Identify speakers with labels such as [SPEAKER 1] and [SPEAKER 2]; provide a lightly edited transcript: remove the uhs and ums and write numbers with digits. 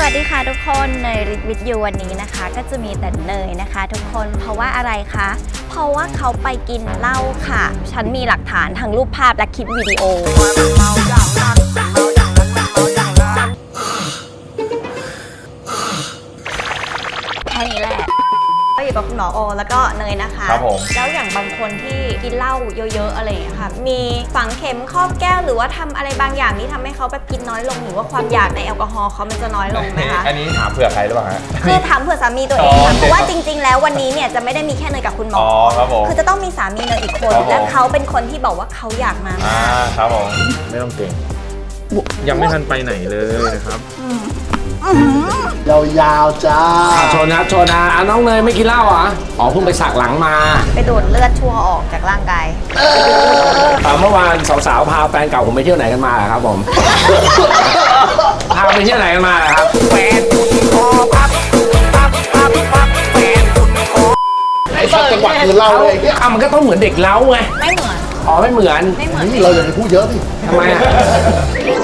[SPEAKER 1] วัสดีค่ะทุกคนเนยริทวิทยูวันนี้นะคะก็จะมีแต่เนยนะคะทุกคนเพราะว่าอะไรคะเพราะว่าเขาไปกินเหล้าค่ะฉันมีหลักฐานทั้งรูปภาพและคลิปวิดีโอแค่นี้แหละก็อยู่กับคุณหมอโอแล้วก็เนยนะคะ
[SPEAKER 2] ครับผม
[SPEAKER 1] แล้วอย่างบางคนที่กินเหล้าเยอะๆอะไรอย่างเงี้ยค่ะมีฝังเข็มครอบแก้วหรือว่าทำอะไรบางอย่างที่ทำให้เขาแบบกินน้อยลงหรือว่าความอยากในแอลกอฮอล์เขามันจะน้อยลงไหมคะ
[SPEAKER 2] อันนี้ถามเผื่อใครหรือเปล่าฮะ
[SPEAKER 1] คือถามเผื่อสามีตัวเองค่ะเพราะว่าจริงๆแล้ววันนี้เนี่ยจะไม่ได้มีแค่เนยกับคุณหมอ
[SPEAKER 2] ครับผม
[SPEAKER 1] คือจะต้องมีสามีเนยอีกคนและเขาเป็นคนที่บอกว่าเขาอยากมา
[SPEAKER 2] ครับผมไม่ต้องเก่งยังไม่ทันไปไหนเลยนะครับ
[SPEAKER 3] ยาวๆจ้า
[SPEAKER 4] โชว์นะโชว์นะน้องเนยไม่กินเหล้าเหรออ๋อเพิ่งไปสักหลังมา
[SPEAKER 1] ไปดูดเลือดชั่วออกจากร่างกาย
[SPEAKER 4] เมื่อวานสาวๆพาแฟนเก่าผมไปเที่ยวไหนกันมาครับผมพาไปเที่ยวไหนกันมาครับแฟนคุณคอพับ
[SPEAKER 3] ไอ้สักจังหวะคือเล่าเลย
[SPEAKER 4] มันก็ต้องเหมือนเด็กเล้าไง
[SPEAKER 1] ไม่เหมือน
[SPEAKER 4] อ๋อไม่เหมือน
[SPEAKER 3] เราอย่าไปพูดเยอะสิ
[SPEAKER 4] ทำไมอ่ะ